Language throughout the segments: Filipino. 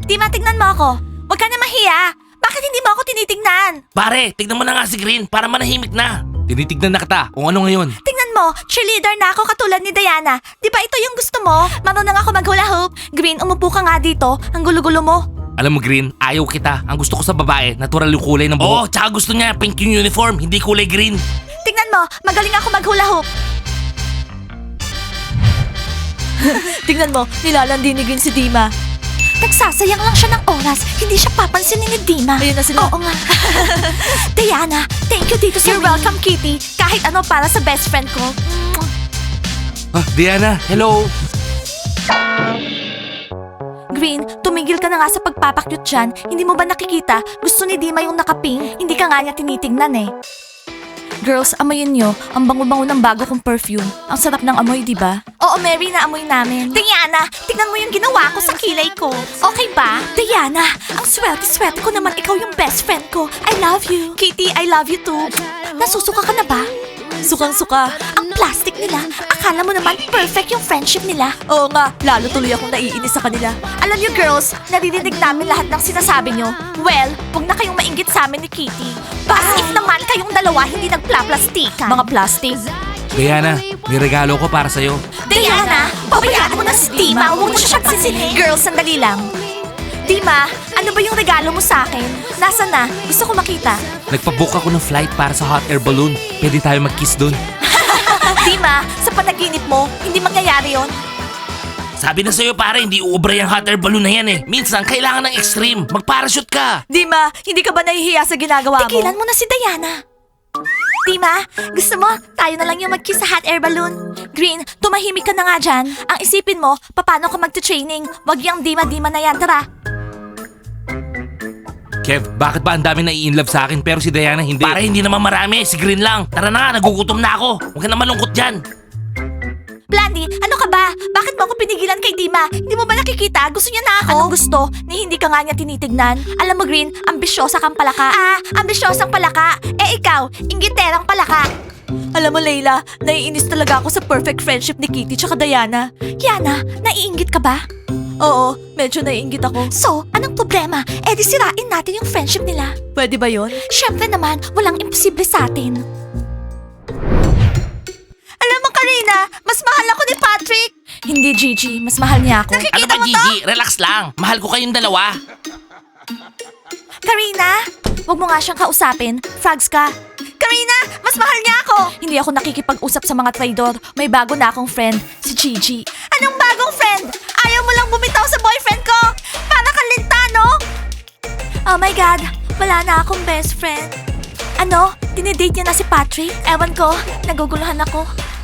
Dima, tignan mo ako. Huwag ka na mahiya. Bakit hindi mo ako tinitingnan? Pare, tignan mo na nga si Green para manahimik na. Tinitignan na kita kung ano ngayon. Tingnan mo, cheerleader na ako katulad ni Diana. Di ba ito yung gusto mo? Marunong ako mag-hula hoop. Green, umupo ka nga dito. Ang gulo-gulo mo. Alam mo Green, ayaw kita. Ang gusto ko sa babae, natural yung kulay ng buhok. Oo, tsaka gusto niya pink yung uniform, hindi kulay green. Tingnan mo, magaling ako mag-hula hoop. Tingnan mo, nilalandi ni Green si Dima. Nagsasayang lang siya ng oras. Hindi siya papansinin ni Dima. Ayun na sila. Oo nga. Diana, thank you dito sa You're welcome, Kitty. Kahit ano para sa best friend ko. Diana, hello. Green, tumigil ka na nga sa pagpapakyut dyan. Hindi mo ba nakikita? Gusto ni Dima yung nakaping. Hindi ka nga niya tinitingnan eh. Girls, amoyin nyo. Ang bango-bango ng bago kong perfume. Ang sarap ng amoy, di ba? Oo, Mary, naamoy namin. Diana, tignan mo yung ginawa ko sa kilay ko. Okay ba? Diana, ang swerte-swerte ko naman ikaw yung best friend ko. I love you. Kitty, I love you too. Nasusuka ka na ba? Sukang-suka. Ang plastic nila. Akala mo naman perfect yung friendship nila. Oo nga, lalo tuloy akong naiinis sa kanila. Alam niyo girls, naririnig namin lahat ng sinasabi niyo. Well, huwag na kayong mainggit sa amin ni Kitty. As if naman kayong dalawa hindi nagplaplastikan. Mga plastic. Diana, may regalo ko para sa'yo. Diana, pabayaan mo na si Dima. Huwag mo siya pansinin. Girls, sandali lang. Dima, ano ba yung regalo mo sa akin? Nasaan na? Gusto ko makita. Nagpabook ako ng flight para sa hot air balloon. Pwede tayo mag-kiss dun. Dima, sa panaginip mo, hindi mangyayari yon. Sabi na sa'yo pare, hindi uubra yung hot air balloon na yan eh. Minsan, kailangan ng extreme. Mag-parachute ka. Dima, hindi ka ba nahihiya sa ginagawa mo? Tigilan mo na si Diana. Dima, gusto mo, tayo na lang yung mag-kiss sa hot air balloon. Green, tumahimik ka na nga dyan. Ang isipin mo, paano ka mag-training? Wag yung Dima-Dima na yan, tara. Kev, bakit ba ang dami na i-inlove sa akin pero si Diana hindi? Para hindi naman marami, si Green lang. Tara na nga, nagugutom na ako. Huwag ka na malungkot dyan. Blandy, ano ka ba? Bakit mo ako pinigilan kay Dima? Hindi mo ba nakikita? Gusto niya na ako. Anong gusto? Ni hindi ka nga niya tinitignan? Alam mo, Green, ambisyosa kang palaka. Ah, ambisyosang palaka. Eh ikaw, inggiterang palaka. Alam mo, Layla, naiinis talaga ako sa perfect friendship ni Kitty tsaka Diana. Yana, naiinggit ka ba? Oo, medyo naiinggit ako. So, anong problema? Eh di sirain natin yung friendship nila. Pwede ba yon? Siyempre naman, walang imposible sa atin. Alam mo, Karina, mas mahal ako ni Patrick. Hindi, Gigi. Mas mahal niya ako. Ano ba Gigi? Relax lang. Mahal ko kayong dalawa. Karina, wag mo nga siyang kausapin. Frogs ka. Karina, mas mahal niya ako. Hindi ako nakikipag-usap sa mga traidor. May bago na akong friend, si Gigi. Anong bagong friend? Ayaw mo lang bumitaw sa boyfriend ko? Para kang linta, no? Oh my God, wala na akong best friend. Ano? Dinidate niya na si Patrick? Ewan ko, naguguluhan ako.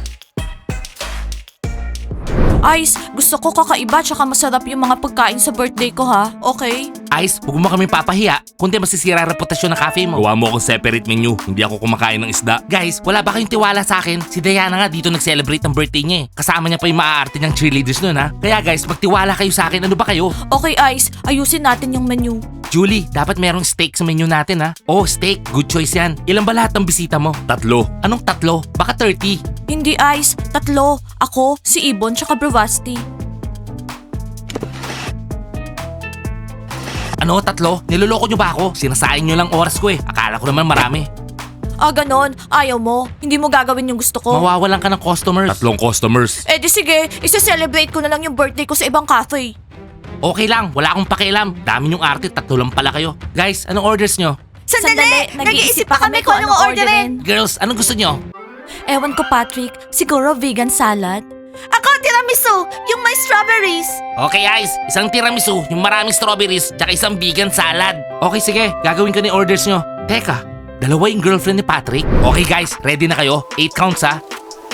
Ice, gusto ko kakaiba tsaka masarap yung mga pagkain sa birthday ko ha, okay? Ice, huwag mo kami papahiya. Kundi masisira ang reputasyon ng cafe mo. Gawa mo akong separate menu. Hindi ako kumakain ng isda. Guys, wala ba kayong tiwala sa akin? Si Diana nga dito nag-celebrate ng birthday niya eh. Kasama niya pa yung maaarte niyang cheerleaders nun ha. Kaya guys, magtiwala kayo sa akin. Ano ba kayo? Okay Ice, ayusin natin yung menu. Julie, dapat merong steak sa menu natin ha. Oh, steak. Good choice yan. Ilan ba lahat ng bisita mo? 3. Anong 3? Baka 30. Hindi Ice, 3. Ako, si Ibon tsaka Bravasti. Ano, 3? Niloloko nyo ba ako? Sinasayang nyo lang oras ko eh. Akala ko naman marami. Ah, ganon. Ayaw mo. Hindi mo gagawin yung gusto ko. Mawawalan ka ng customers. 3 customers. Eh di sige, isa-celebrate ko na lang yung birthday ko sa ibang cafe. Okay lang, wala akong pakialam. Dami yung arte, 3 lang pala kayo. Guys, anong orders nyo? Sandali, nag-iisip pa kami kung anong orderin. Girls, anong gusto nyo? Ewan ko Patrick, siguro vegan salad. Ako, tiramisu, yung may strawberries. Okay guys, isang tiramisu, yung maraming strawberries, tsaka isang vegan salad. Okay sige, gagawin ko ni orders nyo. Teka, 2 yung girlfriend ni Patrick? Okay guys, ready na kayo? 8 counts ha?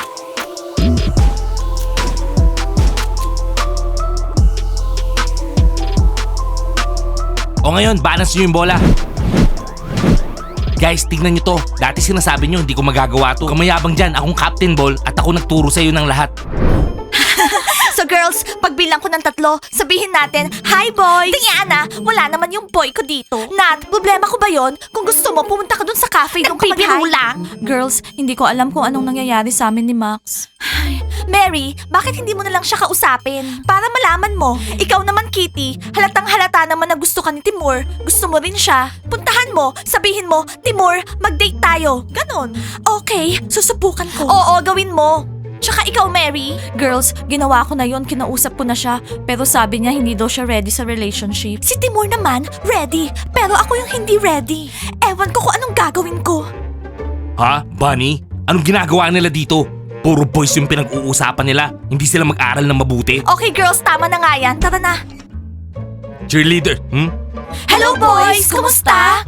O ngayon, balance nyo yung bola. Guys, tignan nyo to. Dati sinasabi nyo, hindi ko magagawa to. Kamayabang dyan, akong captain ball at ako nagturo sa'yo ng lahat. So girls, Girls, pagbilang ko ng 3, sabihin natin, Hi boys! Diana, wala naman yung boy ko dito. Nat, problema ko ba yon? Kung gusto mo, pumunta ka dun sa cafe nung Nagpipiro lang. Girls, hindi ko alam kung anong nangyayari sa amin ni Max. Mary, bakit hindi mo na lang siya kausapin? Para malaman mo. Ikaw naman, Kitty, halatang halata naman na gusto ka ni Timur. Gusto mo rin siya. Puntahan mo, sabihin mo, Timur, mag-date tayo. Ganon. Okay, susubukan ko. Oo, gawin mo. Tsaka ikaw, Mary. Girls, ginawa ko na yon, kinausap ko na siya. Pero sabi niya hindi daw siya ready sa relationship. Si Timur naman, ready. Pero ako yung hindi ready. Ewan ko kung anong gagawin ko. Ha? Bunny? Anong ginagawa nila dito? Puro boys yung pinag-uusapan nila. Hindi sila mag-aral ng mabuti. Okay, girls, tama na nga yan. Tara na. Cheerleader, Hello, boys! Kumusta?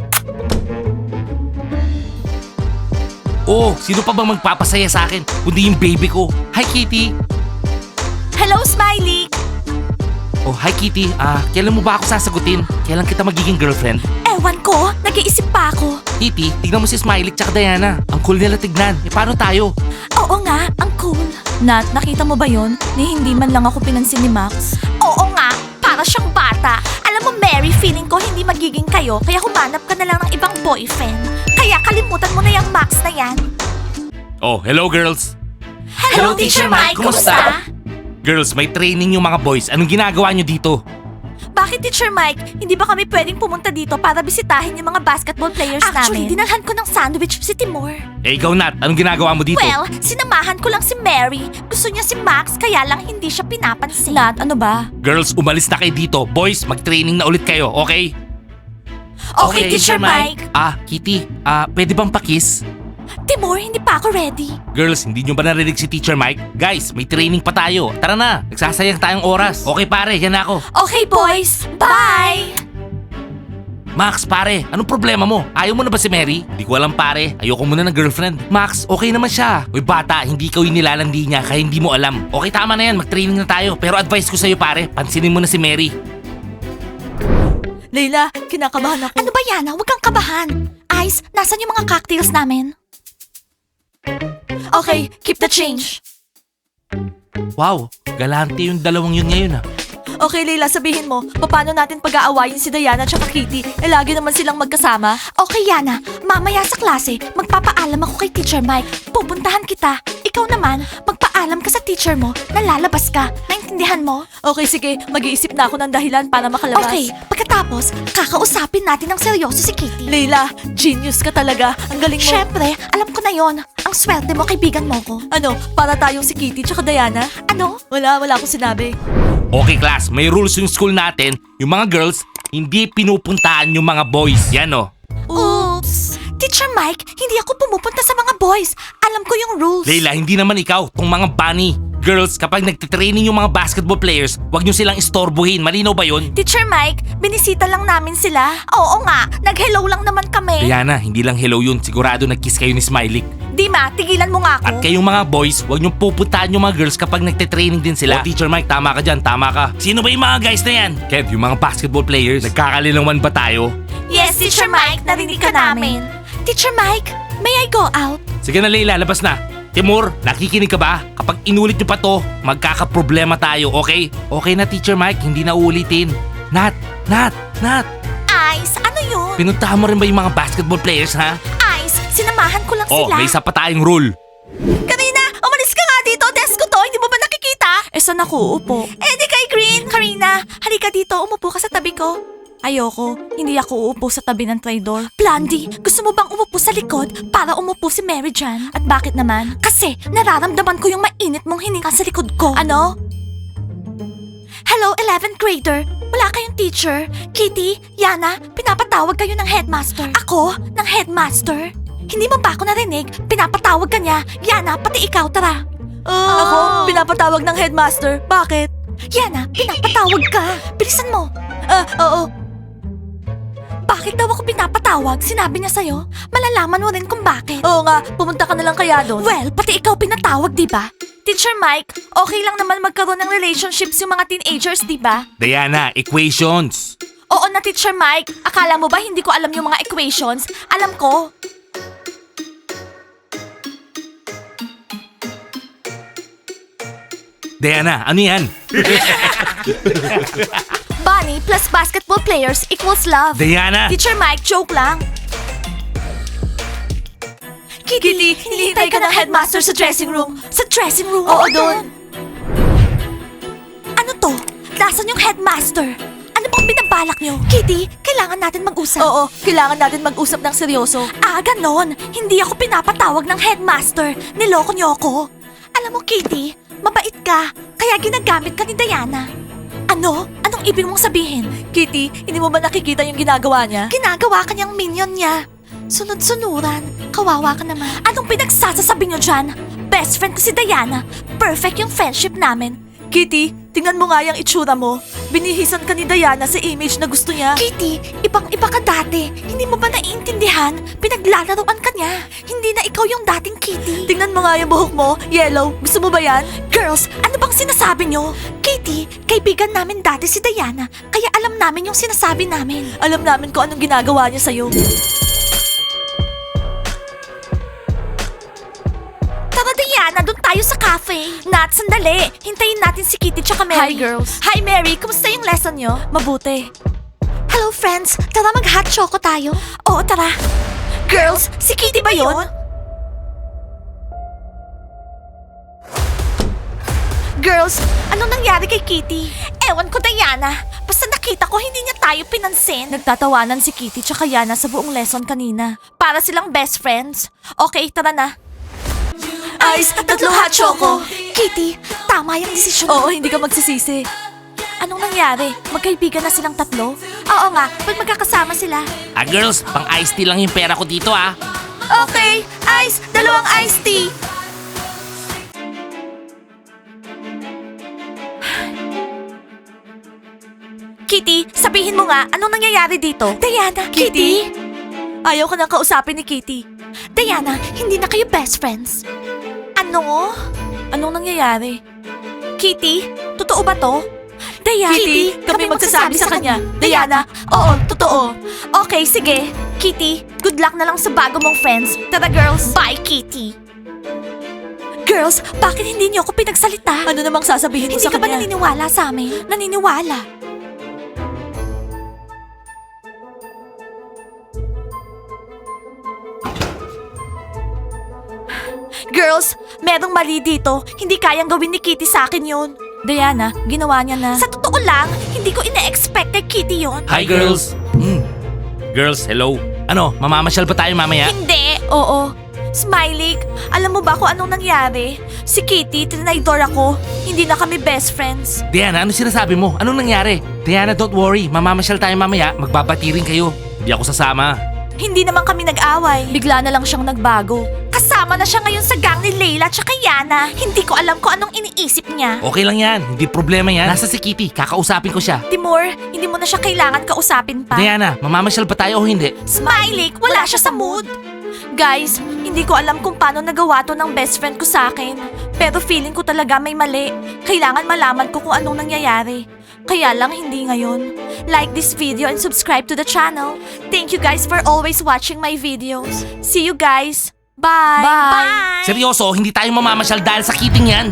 Oh, sino pa bang magpapasaya sa akin? Kundi yung baby ko. Hi, Kitty. Hello, Smiley! Oh, hi, Kitty. Kailan mo ba ako sasagutin? Kailan kita magiging girlfriend? Ewan ko, nag-iisip pa ako. Kitty, tignan mo si Smiley tsaka Diana. Ang cool nila tignan. Paano tayo? Oo nga, ang cool. Nat, nakita mo ba yon? Ni hindi man lang ako pinansin ni Max. Oo nga, para siyang bata. Alam mo, Mary, feeling ko hindi magiging kayo, kaya humanap ka na lang ng ibang boyfriend. Kaya kalimutan mo na yung Max na yan. Oh, hello girls. Hello, Teacher Mike. Kumusta? Girls, may training yung mga boys. Anong ginagawa nyo dito? Bakit, Teacher Mike? Hindi ba kami pwedeng pumunta dito para bisitahin yung mga basketball players Actually, namin? Dinalhan ko ng sandwich si Timur. Eh, ikaw Nat, anong ginagawa mo dito? Well, sinamahan ko lang si Mary. Gusto niya si Max, kaya lang hindi siya pinapansin. Nat, ano ba? Girls, umalis na kayo dito. Boys, mag-training na ulit kayo, okay? Okay, Teacher Mike. Kitty, pwede bang pakis? Timur, hindi pa ako ready. Girls, hindi nyo ba narinig si Teacher Mike? Guys, may training pa tayo. Tara na, nagsasayang tayong oras. Okay pare, yan na ako. Okay, boys. Bye! Max, pare, anong problema mo? Ayaw mo na ba si Mary? Di ko alam pare, ayoko muna ng girlfriend. Max, okay naman siya. Uy bata, hindi ikaw yung nilalandi niya kaya hindi mo alam. Okay, tama na yan, mag-training na tayo. Pero advice ko sa'yo pare, pansinin mo na si Mary. Leila, kinakabahan ako. Ano ba, Yana? Huwag kang kabahan. Ice, nasan yung mga cocktails namin? Okay, keep the change. Wow, galante yung dalawang yun ngayon ah. Okay, Leila, sabihin mo, paano natin pag-aawayin si Diana at Kitty? Lagi naman silang magkasama. Okay, Yana. Mamaya sa klase, magpapaalam ako kay Teacher Mike. Pupuntahan kita. Ikaw naman, magpaalam ka sa teacher mo na lalabas ka. Naintindihan mo? Okay, sige, mag-iisip na ako ng dahilan para makalabas. Okay, pagkatapos, kakausapin natin ng seryoso si Kitty. Leila, genius ka talaga. Ang galing mo. Syempre, alam ko na yon. Ang swerte mo, kaibigan mo ko. Ano, para tayong si Kitty tsaka Diana? Ano? Wala akong sinabi. Okay class, may rules yung school natin. Yung mga girls, hindi pinupuntahan yung mga boys. Yan oh. Oops! Teacher Mike, hindi ako pumupunta sa mga boys. Alam ko yung rules. Leila, hindi naman ikaw, tong mga bunny. Girls, kapag nagtitraining yung mga basketball players, wag nyo silang istorbohin. Malinaw ba yun? Teacher Mike, binisita lang namin sila. Oo nga, nag-hello lang naman kami. Diana, hindi lang hello yun. Sigurado nag-kiss kayo ni Smiley. Dima, tigilan mo nga ako. At kayong mga boys, wag nyo pupuntahan yung mga girls kapag nagtitraining din sila. Oh, Teacher Mike, tama ka dyan, tama ka. Sino ba yung mga guys na yan? Kev, yung mga basketball players. Nagkakalilangan ba tayo? Yes, Teacher Mike, narinig ka namin. Teacher Mike, may I go out? Sige na Leila, labas na. Timur, nakikinig ka ba? Kapag inulit nyo pa to, magkakaproblema tayo, okay? Okay na Teacher Mike, hindi na uulitin. Nat! Ice, ano yun? Pinuntahan mo rin ba yung mga basketball players, ha? Ice, sinamahan ko lang Oh, sila. may isa pa tayong rule. Karina, umalis ka nga dito. Desk ko to, hindi mo ba nakikita? Saan ako uupo? Di kay Green. Karina, halika dito. Umupo ka sa tabi ko. Ayoko, hindi ako uupo sa tabi ng traidor. Blondie, gusto mo bang umupo sa likod para umupo si Mary dyan? At bakit naman? Kasi nararamdaman ko yung mainit mong hininga sa likod ko. Ano? Hello, 11th grader. Wala kayong teacher. Kitty, Yana, pinapatawag kayo ng headmaster. Ako? Ng headmaster? Hindi mo ba ako narinig? Pinapatawag ka niya. Yana, pati ikaw, tara. Ako, pinapatawag ng headmaster. Bakit? Yana, pinapatawag ka. Bilisan mo. Oo. Bakit daw ako pinapatawag? Sinabi niya sa'yo? Malalaman mo rin kung bakit. Oo nga, pumunta ka na lang kaya doon. Well, pati ikaw pinatawag, di ba? Teacher Mike, okay lang naman magkaroon ng relationships yung mga teenagers, di ba? Diana, equations. Oo na, Teacher Mike. Akala mo ba hindi ko alam yung mga equations? Alam ko. Diana, ano yan? Bunny plus basketball players equals love. Diana! Teacher Mike, joke lang. Kitty, hinihintay ka ng headmaster sa dressing room. Sa dressing room? Oo, doon. Ano to? Nasaan yung headmaster? Ano bang binabalak nyo? Kitty, kailangan natin mag-usap. Oo, kailangan natin mag-usap ng seryoso. Ah, ganon. Hindi ako pinapatawag ng headmaster. Niloko niyo ako. Alam mo, Kitty, mabait ka. Kaya ginagamit ka ni Diana. Ano? Anong ibig mong sabihin? Kitty, hindi mo ba nakikita yung ginagawa niya? Ginagawa ka niyang minion niya. Sunod-sunuran. Kawawa ka naman. Anong pinagsasasabi niyo dyan? Best friend ko si Diana. Perfect yung friendship namin. Kitty, tingnan mo nga yung itsura mo. Binihisan ka ni Diana sa image na gusto niya. Kitty, ibang-iba ka dati. Hindi mo ba naiintindihan? Pinaglalaroan ka niya. Hindi na ikaw yung dating Kitty. Tingnan mo nga yung buhok mo, yellow. Gusto mo ba yan? Girls, ano bang sinasabi niyo? Kitty, kaibigan namin dati si Diana. Kaya alam namin yung sinasabi namin. Alam namin kung anong ginagawa niya sa'yo. Tara Diana, doon tayo sa cafe. Nat, sandali. Hintayin natin si Kitty tsaka Mary. Hi, girls. Hi Mary, kumusta yung lesson nyo? Mabuti. Hello friends, tara mag-hot choco tayo. Oo, tara. Girls, si Kitty ba yun? Girls, anong nangyari kay Kitty? Ewan ko, Diana. Basta nakita ko hindi niya tayo pinansin. Nagtatawanan si Kitty tsaka Yana sa buong lesson kanina. Para silang best friends. Okay, tara na. Ice, tatlo hot choco. Kitty, tama yung desisyon. Oo, hindi ka magsisisi. Anong nangyari? Magkaibigan na silang tatlo? Oo nga, pag magkakasama sila. Ah, girls, pang iced tea lang yung pera ko dito, ah. Okay, Ice, dalawang iced tea. Kitty, sabihin mo nga, anong nangyayari dito? Diana, Kitty? Ayaw ka nang kausapin ni Kitty. Diana, hindi na kayo best friends. Ano? Anong nangyayari? Kitty, totoo ba to? Diana, Kitty, kami magsasabi sa kanya. Diana, oo, totoo. Okay, sige. Kitty, good luck na lang sa bago mong friends. Tara girls, bye Kitty. Girls, bakit hindi niyo ako pinagsalita? Ano namang sasabihin mo Hindi sa ka ba kanya? naniniwala sa amin? Naniniwala. Girls, merong mali dito. Hindi kayang gawin ni Kitty sa akin yun. Diana, ginawa niya na. Sa totoo lang, hindi ko ina-expect kay Kitty yun. Hi, girls. Girls, hello. Ano, mamamasyal ba tayo mamaya? Hindi. Oo. Smiley, alam mo ba kung anong nangyari? Si Kitty, trinaydor ako. Hindi na kami best friends. Diana, ano sinasabi mo? Anong nangyari? Diana, don't worry. Mamamasyal tayo mamaya. Magbabati rin kayo. Hindi ako sasama. Hindi naman kami nag-away. Bigla na lang siyang nagbago. Kasama na siya ngayon sa gang ni Layla at Yana. Hindi ko alam kung anong iniisip niya. Okay lang yan. Hindi problema yan. Nasa si Kitty. Kakausapin ko siya. Timur, hindi mo na siya kailangan kausapin pa. Diana, mamamasyal ba tayo o hindi? Smiley, wala siya sa mood. Guys, hindi ko alam kung paano nagawa to ng best friend ko sa akin. Pero feeling ko talaga may mali. Kailangan malaman ko kung anong nangyayari. Kaya lang hindi ngayon. Like this video and subscribe to the channel. Thank you guys for always watching my videos. See you guys. Bye. Bye. Seryoso, hindi tayo mamamasyal dahil sa Kitty yan.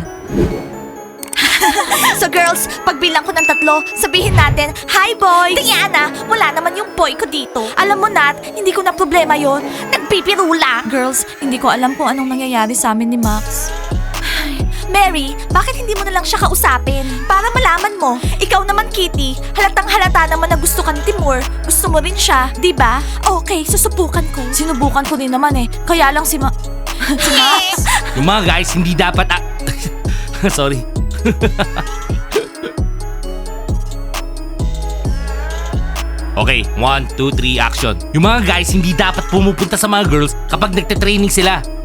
So girls, pagbilang ko ng 3, sabihin natin, Hi boy! Diana, wala naman yung boy ko dito. Alam mo Nat, hindi ko na problema yon. Nagpipiro lang. Girls, hindi ko alam kung anong nangyayari sa amin ni Max. Mary, bakit hindi mo na lang siya kausapin? Para malaman mo. Ikaw naman, Kitty, halatang halata naman na gusto ka ni Timur. Gusto mo rin siya, di ba? Okay, susubukan ko. Sinubukan ko din naman eh. Kaya lang si Max. Yung mga guys, hindi dapat... Sorry. Okay, 1, 2, 3, action. Yung mga guys, hindi dapat pumupunta sa mga girls kapag nagte-training sila.